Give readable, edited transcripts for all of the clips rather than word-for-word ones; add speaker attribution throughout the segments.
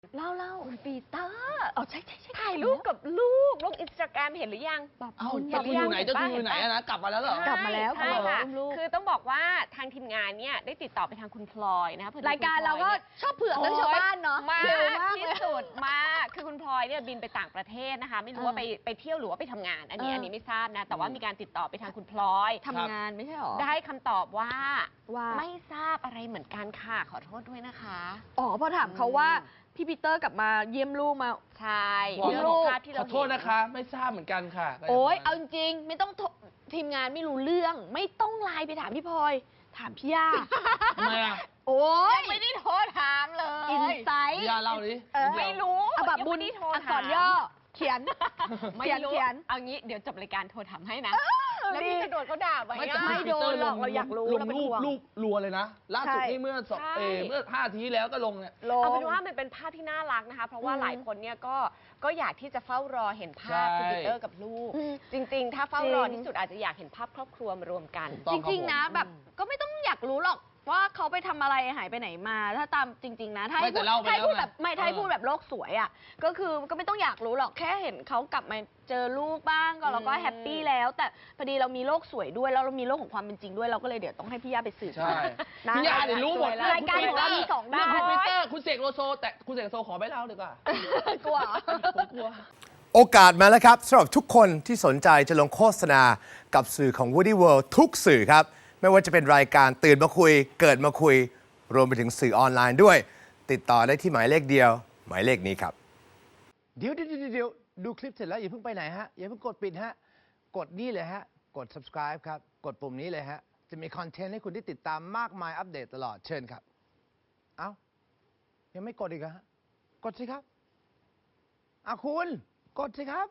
Speaker 1: เล่า
Speaker 2: คุณปีเตอร์
Speaker 1: ใช่
Speaker 2: ถ่ายรูปกับลูกลงอินสตาแกรมเห็นหรือยัง
Speaker 3: เจ้าคุณอยู่ไหนเจ้าคุณอยู่ไหนนะกลับมาแล้วเหรอก
Speaker 1: ลับมาแล้ว
Speaker 2: ใช่ค่ะ
Speaker 1: ลูก
Speaker 2: คือต้องบอกว่าทางทีมงานเนี่ยได้ติดต่อไปทางคุณพลอยนะคะ
Speaker 1: รายการเราก็ชอบเผือกเรื่องชาวบ้านเนาะ
Speaker 2: มาก
Speaker 1: เร็วมาก
Speaker 2: ที่
Speaker 1: เลย
Speaker 2: สุดมากคือคุณพลอยเนี่ยบินไปต่างประเทศนะคะ ไม่รู้ว่าไปเที่ยวหรือว่าไปทำงานอันนี้ไม่ทราบนะแต่ว่ามีการติดต่อไปทางคุณพลอย
Speaker 1: ทำงานไม่ใช่หรอ
Speaker 2: ได้คำตอบว่า
Speaker 1: ว่า
Speaker 2: ไม่ทราบอะไรเหมือนกันค่ะขอโทษด้วยนะคะ
Speaker 1: พอถามเขาว่าพี่ปีเตอร์กลับมาเยี่ยมลูกมา
Speaker 2: ใช่
Speaker 3: บอก
Speaker 2: เรื่องของภาพที่
Speaker 3: ข
Speaker 2: เรา
Speaker 3: อโทษนะคะ ไม่ทราบเหมือนกันค่ะ
Speaker 1: โอ๊ยเอาจริงๆไม่ต้องทีมงานไม่รู้เรื่องไม่ต้องไลน์ไปถามพี่พลอยถามพี่ย่า
Speaker 3: ทำไมอ่ะ
Speaker 1: โอ๊ย
Speaker 2: ไม่ได้โทรถามเลย
Speaker 1: อินไซต์
Speaker 3: พี่ยาเล่าดิ
Speaker 2: ไม่รู้
Speaker 1: แบบบุญ
Speaker 2: ยังไม่ได้โทร
Speaker 1: อัก
Speaker 2: ถาม
Speaker 1: ษรย่อเขียน
Speaker 2: ไม่
Speaker 1: เขียน
Speaker 2: รู้
Speaker 1: เขียน
Speaker 2: เอางี้เดี๋ยวจบรายการโทรถามให้นะ แล้วพี่จะโดนเขาด่าไหม
Speaker 3: ไม่
Speaker 2: อะ
Speaker 3: แต่คุณปีเตอร์
Speaker 1: ไม่โดนหรอกเราอยากรู้
Speaker 3: ลง
Speaker 1: เราเป็น
Speaker 3: รู
Speaker 1: ห่
Speaker 3: ป
Speaker 1: วง
Speaker 3: รัวเลยนะล่าสุด
Speaker 1: ใช่
Speaker 3: นี่เมื่อ
Speaker 2: ใช่
Speaker 3: 5 อาทิตย์ที่แล้วก็ลงเนี่ย
Speaker 1: ลง
Speaker 2: เอาเป็นว่ามันเป็นภาพที่น่ารักนะคะ เพราะว่าหลายคนเนี่ยก็อยากที่จะเฝ้ารอเห็นภาพ
Speaker 3: ใช่
Speaker 2: คุณปีเตอร์กับลูก
Speaker 1: อืม
Speaker 2: จริง ๆ ถ้าเฝ้ารอ
Speaker 1: จริง
Speaker 2: ที่สุดอาจจะอยากเห็นภาพครอบครัวมารวมกัน
Speaker 3: ถูกต้อ
Speaker 1: จ
Speaker 3: ง
Speaker 1: ริงๆนะ
Speaker 3: ครับผม
Speaker 1: แบบก็ไม่ต้องอยากรู้หรอกว่าเขาไปทำอะไรหายไปไหนมา ถ้าตามจริง ๆ นะถ้าให้
Speaker 3: ไม่แต่เล่าไป
Speaker 1: ถ้าให้พูด
Speaker 3: แล้วไง
Speaker 1: แบบไม่ถ้าให้พูดแบบโลกสวยอ่ะก็คือก็ไม่ต้องอยากรู้หรอกแค่เห็นเขากลับมาเจอลูกบ้างก็เราก็แฮปปี้แล้ว แต่พอดีเรามีโลกสวยด้วยแล้วเรามีโลกของความเป็นจริงด้วยเราก็เลยเดี๋ยวต้องให้พี่ย่าไปสืบ
Speaker 3: ใช่
Speaker 1: นะ
Speaker 3: พี่ยาเนี่ยรู้หมด
Speaker 1: รายการของเรามีสองด้าน
Speaker 3: คุณปีเตอร์คุณเสกโลโซแต่คุณเสกโลโซขอไม่เล่าดีกว่า
Speaker 1: กลัวเหรอ
Speaker 3: ผมกลัว
Speaker 4: โอกาสมาแล้วครับสำหรับทุกคนที่สนใจจะลงโฆษณากับสื่อของ Woody World ทุกสื่อครับ ไม่ว่าจะเป็นรายการตื่นมาคุย เกิดมาคุย รวมไปถึงสื่อออนไลน์ด้วย ติดต่อได้ที่หมายเลขเดียว หมายเลขนี้ครับ
Speaker 5: เดี๋ยวดูคลิปเสร็จแล้วอย่าเพิ่งไปไหนฮะอย่าเพิ่งกดปิดฮะกดนี่เลยฮะกด subscribe ครับกดปุ่มนี้เลยฮะจะมีคอนเทนต์ให้คุณได้ติดตามมากมายอัปเดตตลอดเชิญครับ เอ้ายังไม่กดอีกเหรอฮะกดสิครับคุณกดสิครับ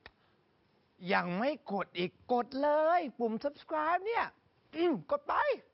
Speaker 5: ยังไม่กดอีกกดเลยปุ่ม subscribe เนี่ยกดไป